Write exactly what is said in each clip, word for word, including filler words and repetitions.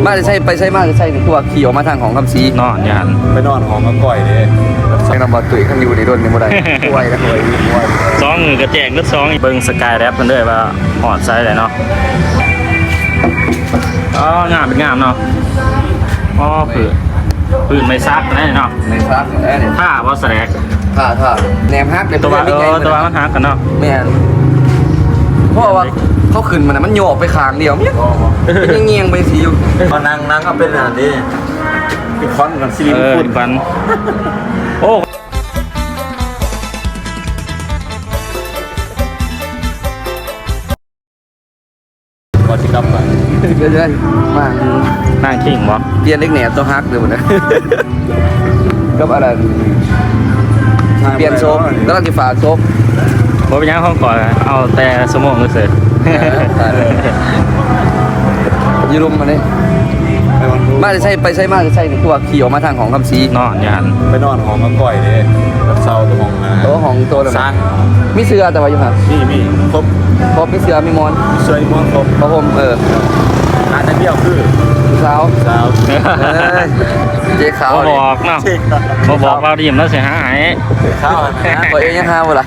มาจะใช่ไปใช่มาจะใช่นี่คือว่าขี่ออกมาทางของคำซีนอนยันไปนอนของก็ก่อยเลยใช้นำบอลตุ๋ยข้างอยู่ในโดนในบ่ได้ป่วยนะป่วยป่วยสองมือกระแจงก็สองเบิ่งสกายแรปกันด้วยว่าหอดไซส์เลยเนาะอ๋องามเป็นงามเนาะอ๋อผืนผืนไม่ซักนะเนาะในซักเนี่ยผ้าว่าแสลกท่าท่าแหนมฮักตัวว่าเออตัวว่ามันฮักกันเนาะแม่นเพราะว่าเขาขึ้นมันมันโยกไปข้างเดียวเนี่ยเป็นเงียงไปสิอยู่พอนั่งนั่งก็เป็นอะไรนี่พี่คอนกับซิลิเออฝุ่นฟันโอ้ก่อนที่กลับไปเรื่อยๆมานั่งขิงบ่เปลี่ยนเล็กแหนมตัวฮักเลยหมดนะกับอะไรเปลี่ยนโซ่แล้วก็ที่ฝาโซ่บ่เป็นยังห้องก่อนเอาแต่สมองเลยเสร็จยืรุมมาเนี่ยมาจะใช่ไปใช่มาจะใช่นี่คือว่าขี่ออกมาทางของคำซีนอนยันไปนอนของก็ก่อยเลยแบบเศร้าตัวของนะตัวของตัวเลยสร้างมีเสือแต่ว่าอยู่ห่างมีมีครบครบมีเสือมีมอนเสื้อม้วนครบพระพรมเออร้านนั้นเดียวคือสาวสาวเจ๊ขาวบ่บอกเนาะบ่บอกเราดิมแล้วเสียหายข้าวนะพอเองยังห้าวเวลา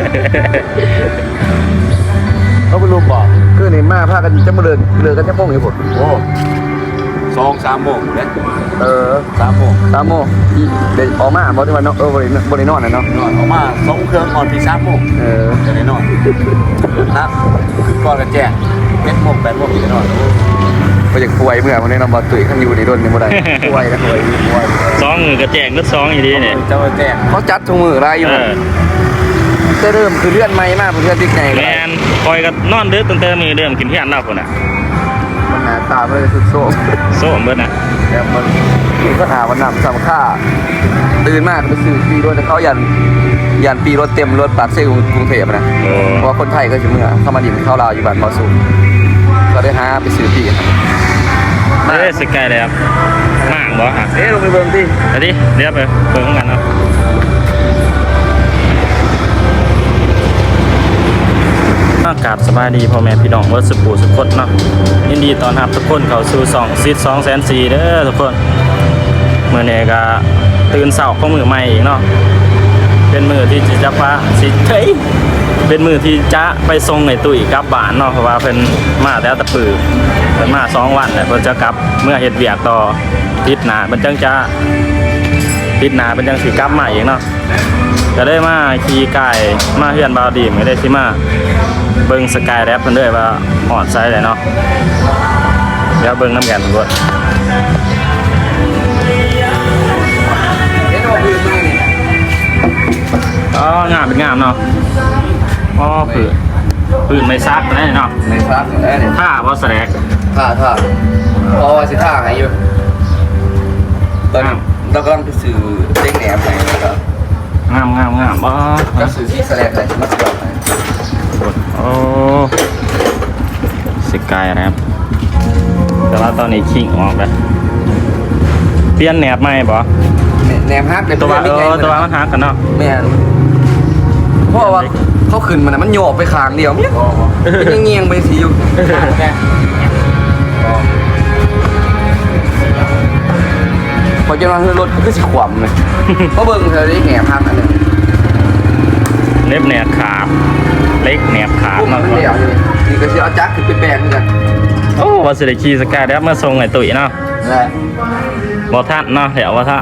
เขาเป็นรูปบอกคือในมาพากันจะมาเดินเดินกันจะโมงอยู่ผมโอ้สองสามโมงเลยเออสามโมงสามโมงเดี๋ยวออกมาบอกที่ว่าเนาะเออบริบริโนอนนะเนาะนอนออกมาสองเครื่องก่อนพี่สามโมงเออจะได้นอนนะคือก่อนกันแจ้งเป็นโมงแปดโมงพี่จะนอนไปจากป่วยเมื่อวันนี้นำบอลตุ๋ยข้างอยู่ในโดนในบ่ได้ป่วยนะป่วยป่วยสองมือกระแจงก็สองอีดีเนี่ยเจ้าแจ้งเขาจัดทุกมือไรอยู่จะเริ่มคือเลื่อนไม้มากเพื่อนติ๊กไงแมนคอยก็นอนดึกตั้งแต่มือเดิมกินที่อันเราคนน่ะมันหนาตาไม่ได้สุดโซ่โซ่เบิดนะแต่มันคือก็หาวันนำสำค่าตื่นมากไปซื้อปีรถเขายันยันปีรถเต็มรถปากเซ่กรุงเทพนะเพราะคนไทยก็จะเมื่อเข้ามาดินเข้าลาวอยู่บ้านมาสูงก็ได้หาไปซื้อปีเอ๊ะสกายแล้วมากบ่ฮะเอ๊ะลงไปเบิ่งที่อันนี้เรียบไปเบิ่งกันเนาะอากาศสบายดีพ่อแม่พี่น้องวัดสุปูสุขดเนาะยินดีตอนรับทุกคนเข้าสู่สองซีดสองแสนสี่เด้อทุกคนเมื่อนี้ก็ตื่นเช้าของมือใหม่อีกเนาะเป็นมือที่จะพาสิเฮ้ยเป็นมือที่จะไปส่งในตุ้ยกลับบ้านเนาะเพราะว่าเป็นมาแล้วตะปือเป็นมาสองวันแต่เพิ่นจะกลับเมื่อเฮ็ดเวียกต่อทิศหน้ามันจังจะทิศหน้าเป็นจังสิกลับมาอีกเนาะก็ได้มาขี่ไก่มาเฮือนบาวดีไม่ได้สิมาเบิ่งสกายแรปกันด้วยว่าหอดไซส์เลยเนาะเดี๋ยวเบิ่งน้ำกันทุกคนอ๋องามเป็นงามเนาะอ๋อผืนผืนไม่ซักนะเนาะไม่ซักเนี่ยผ้าว่าแสลกท่าท่าพอสิท่าไงอยู่ตอนเรากำลังไปซื้อเจ๊งแหนมไงนะครับงามงามงามอ๋อก็ซื้อที่แสลกเลยมาสลับไงโอ้สกายแรปแต่ว่าตอนนี้ขิงออกแล้วเปลี่ยนแหนบใหม่บ่แหนมฮักตัวว่าเออตัวว่ามันฮักกันเนาะแม่เพราะว่าเขาขึ้นมันมันโยกไปข้างเดียวเนี่ยเป็นเงียงไปสิอยู่พอจะมาคือรถก็สิขวำเลยเพราะเบิ่งเธอได้แหนมฮักอันนึงเล็บแหนบขาบเล็กแหนบขาบเนาะนี่ก็สิเอาจักรขึ้นไปแปลงกันโอ้ว่าสิได้ขี่สกายแรปมาส่งไอ้ตุ๋ยเนาะบ่ทันเนาะเดี๋ยวว่าท่า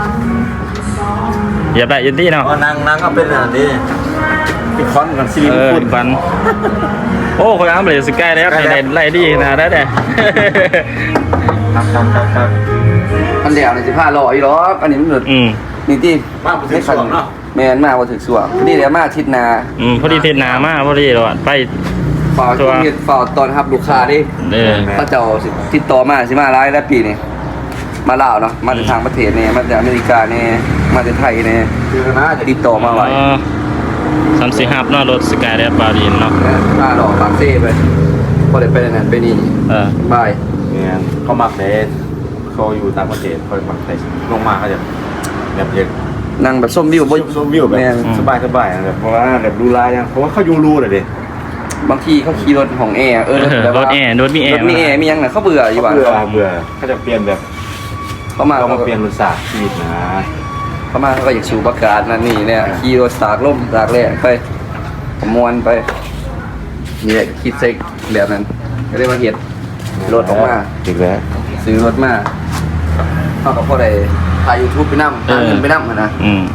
อย่าได้ยินดีเนาะนั่งนั่งก็เป็นอะไรนี่พี่คอนกับซิลิฝุ่นฟันโอ้คนอ้ำเลยสกายแล้วไล่ไล่ดีนะได้แต่ครับครับครับครับอันเดียวในสิบห้าร้อยหรออันนี้มันหลุดนี่ที่ไม่ขันเนาะแมนมากว่าถึงส่วนนี่เดี๋ยวมาทิศนาอืมพอดีทิศนามาพอดีหรอไปฝ่าตัวฝ่าตอนครับลูกค้าดิเขาเจ้าติดต่อมาสิมาไล่แล้วปีนี้มาลาวเนาะมาจากทางประเทศเนี่ยมาจากอเมริกาเนี่ยมาจากไทยเนี่ยติดต่อมาไว้สามสี่ห้าเนาะรถสกายแรปบาดินเนาะมาหล่อปากเซ่ไปพอได้ไปนั่นไปนี่เออบายเนี่ยเขามักเดทเขาอยู่ต่างประเทศเขามักเดทลงมาเขาจะแบบเย็นนั่งแบบส้มวิวส้มวิวแบบสบายสบายแบบเพราะว่าแบบดูลายยังเพราะว่าเขาอยู่รูเลยดิบบางทีเขาขี่รถของแอร์เออเออแบบรว่าถแอร์รถมีแอรร์ถมีแอร์มียังน่ะเขาเบื่ออยู่บ้านเบื่อเบื่อเขาจะเปลี่ยนแบบเขามาเขาเขามาเปลี่ยนรสชาติชีวิตนะเขามาเขาก็อยากสูบอากาศนั่นนี่เนี่ยขี่รถสากลมสากแรงไปขมวนไปนี่แหละคิดเซ็กแบบนั้นก็เลยมาเฮ็ดรถออกมาอีกแล้วซื้อรถมาเขาก็พอได้ถ่าย YouTube ไปนำหาเงินไปนำหั่นนะอืม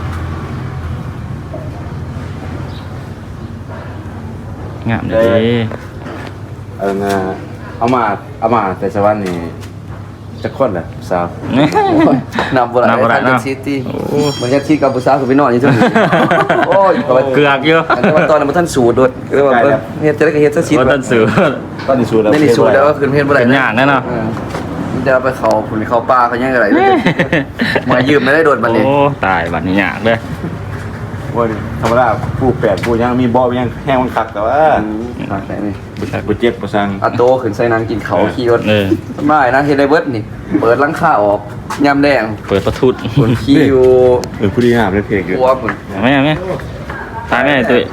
งามเลยเออนะเอามาเอามาแต่สวรรค์นี่จะคนแหละสาวนำบ่ได้นำบ่ได้ทางเนาะซิตี้โอ้มันจะที่กับผู้สาวคือไปนอนอยู่ซั่นโอ้ยก็ว่าเกือกอยู่แต่ว่าตอนนั้นบ่ทันสูตรโดดก็เลยว่าเบิ่งเฮ็ดจะได้ก็เฮ็ดซะสิว่าต้นสือตอนนี้สูตรแล้วไม่ได้สูตรแล้วก็ขึ้นเพชรบ่ได้เป็นยากแน่เนาะออมันจะเอาไปเขาผุนเขาป่าเขายังไงเลยมายืมไม่ได้โดดบัดนี้โอ้ตายบัดนี้ยากเลยว่าธรรมดาผู้แปดผู้ยังมีบ่ยังแห้งมันคักแต่ว่ามาไหนนี่ผู้เจ็บผู้สังอาโตขึ้นใส่นางกินเขาขี่รถเออไม่นะเฮดไดเบิร์ดนี่ เปิดหลังคาออกยำแดงเปิดประทุดคนขี่อยู่เออผู้ดีงามเลยเพลงอยู่หัวผุนไม่ไม่ตายไม่ได้ตุ้ย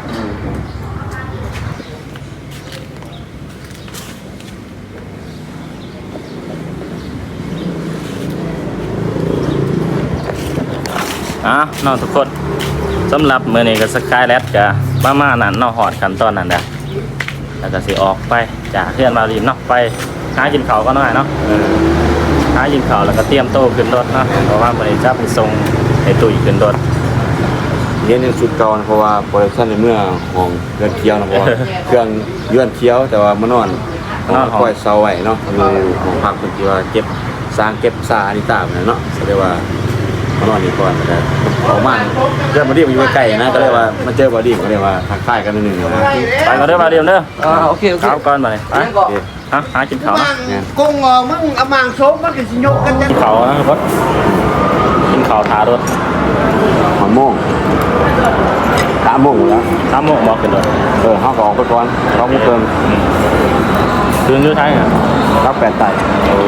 อ่ะน้องทุกคนสำหรับมื้อนี้ก็สกายแลดก็ประมาณนั้นเนาะฮอดขั้นตอนนั้นแหละแล้วก็สิออกไปจากเพื่อนมารีนเนาะไปหากินข้าวก็หน่อยเนาะเออหากินข้าวแล้วก็เตรียมโต๊ะขึ้นรถเนาะเพราะว่ามื้อนี้จะไปส่งไอ้ตุ้ยขึ้นรถเรียนในสุดเก่านะเพราะว่าโปรดักชั่นในเมื่อของเรือนเคี้ยวนะเพราะว่าเครื่องเรือนเคี้ยวแต่ว่ามานอนของคอยเซาไว้เนาะอยู่ของพักคนที่ว่าเก็บสร้างเก็บซาอันนี้ตามเนาะแสดงว่ามานอนนี่ก่อนแต่ออกมาเรื่องบอดี้มันอยู่ใกล้ๆนะก็เลยว่ามาเจอบอดี้ก็เลยว่าทักทายกันนิดนึงนะไปก่อนเด้อมาเรียมเด้ออ่าโอเคโอเคข้าวก่อนมาเลยไปยังก่อนฮะหากินข้าวเนาะกุ้งờมึงเอามางsố mất cái gì nhục cái กินข้าวนะทุกคนกินข้าวทารถหอมโม่งสามโมงแล้วสามโมงบอกขึ้นรถเออเขาก็ออกไปก่อนเขาไม่เกินคืนอยู่ไทยอ่ะรับแปดไต่โอ้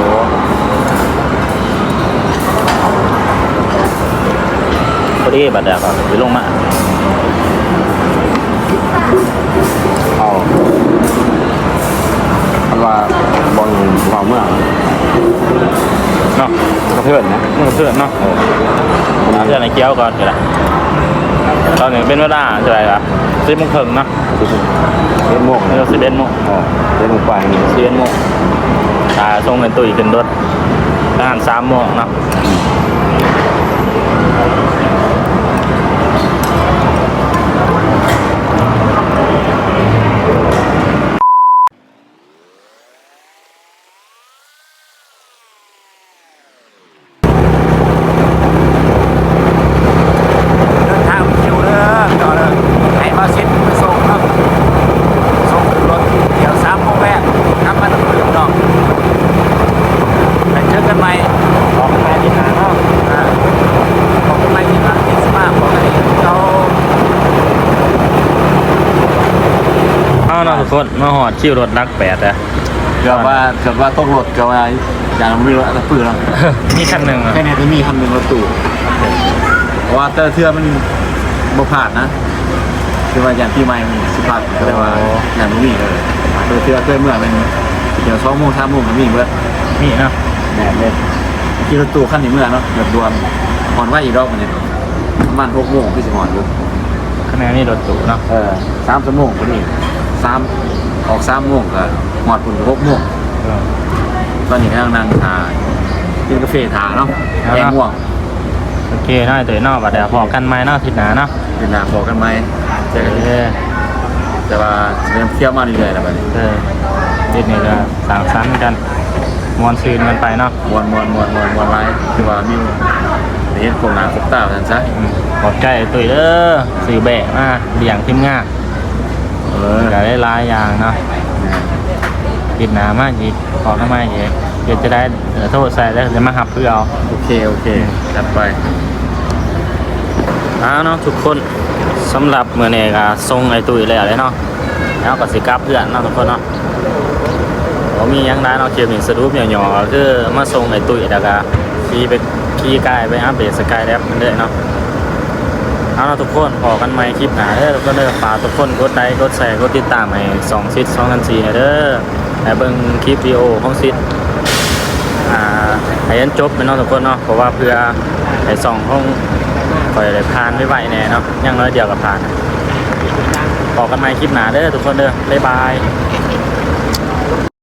พอดีบัดเดียวก็ไปลงมาเอาคำว่าบอลเราเมื่อเนาะกระเทือนนะมึงเพื่อนเนาะหาเพื่อนในเกี้ยวก่อนก็ได้ตอนนี้เป็นเวลาเท่าไหร่ครับสิบโมงครึ่งเนาะเล่นโม่งเอนะอสิบเอ็ดโมงเออเล่นลงไปนี่สิบเอ็ดโมงตาส่งเป็นตุ้ยขึ้นรถงานสามโมงเนาะเดินทางคิวเด้อต่อเลยให้มาเซ็ตไปส่งครับส่งรถเดี๋ยวสามโมงแรกกลับมาตั้งแต่ดอกไปเจอกันใหม่ออกไปที่หาเนาะอ่าขอบคุณใหม่ที่มาที่สมาของไอ้เขาเอาเนาะทุกคนมาหอดคิวรถรักแปดอะเกือบว่าเกือบว่าต้องรถเกือบว่าอย่างไม่รู้อะไรปืนหรอกมีคันหนึ่งอะแค่นี้จะมีคันหนึ่งรถตู้เพราะว่าแต่เทือมันบ่ผ่านนะคือว่าอย่างที่ไม่มันสิผ่านก็เลยว่าอย่างมันมีเลยเทือเทือเทือเมื่อเป็นเดี๋ยวสองโมงสามโมงมันมีเบิดมีเนาะแน่เลยขี่รถตู้ขั้นนี้เมื่อเนาะแบบรวมหอนว่าอีกรอบมันเนี่ยประมาณหกโมงพี่สิหอนอยู่คะแนนนี่รถตู้เนาะเออสามชั่วโมงพอดีสามออกสามโมงก็หอดปุ่นหกโมงตอนนี้กำลังนั่งทากินกาแฟทาเนาะแย่ง่วงโอเคเนาะไอ้ตัวเนาะบัดเดี๋ยวพอกันไหมเนาะอาทิศหนาเนาะเป็นหนาบอกกันไหมเจอกันเออแต่ว่าเริ่มเที่ยวมาเรื่อยๆแล้วแบบนี้เออทิศนี้ก็สั่งสรรค์กันมวนซืนกันไปเนาะมวนมวนมวนมวนมวนไลฟ์คือว่ามีเห็นโครงหนาครบตาแบบนั้นซะอืมขอบใจไอ้ตุ้ยเด้อสื่อแบกมาเลี้ยงทีมงานเออก็ได้หลายอย่างเนาะติดหนามากอีกขอทำไมอีกเดี๋ยวจะได้เอ่อโทษใส่แล้วจะมาหับเพื่อเอาโอเคโอเคจัดไปเอาเนาะทุกคนสำหรับมื้อนี้ก็ส่งไอ้ตุ้ยแล้วเลยเนาะแล้วก็สิกลับเพื่อนเนาะทุกคนเนาะบ่มีหยังได้เนาะเก็บหนึ่งสรุปหย่อๆก็คือมาส่งไอ้ตุ้ยแล้วก็ขี่ไปขี่กายไปอัปเดตสกายแลบมันเด้อเนาะเอาล่ะทุกคนพอกันใหม่คลิปหน้าเด้อทุกคนเด้อฝากทุกคนกดไลค์กดแชร์กดติดตามให้สองซิดสองพันสี่เด้อและเบิ่งคลิปวิดีโอของซิดอ่าให้ยันจบไปเนาะทุกคนเนาะเพราะว่าเพื่อให้สองห้องคอยได้ผ่านไม่ไหวแน่เนาะอย่างน้อยเดียวก็ผ่านพอกันใหม่คลิปหน้าเด้อทุกคนเด้อบ๊ายบาย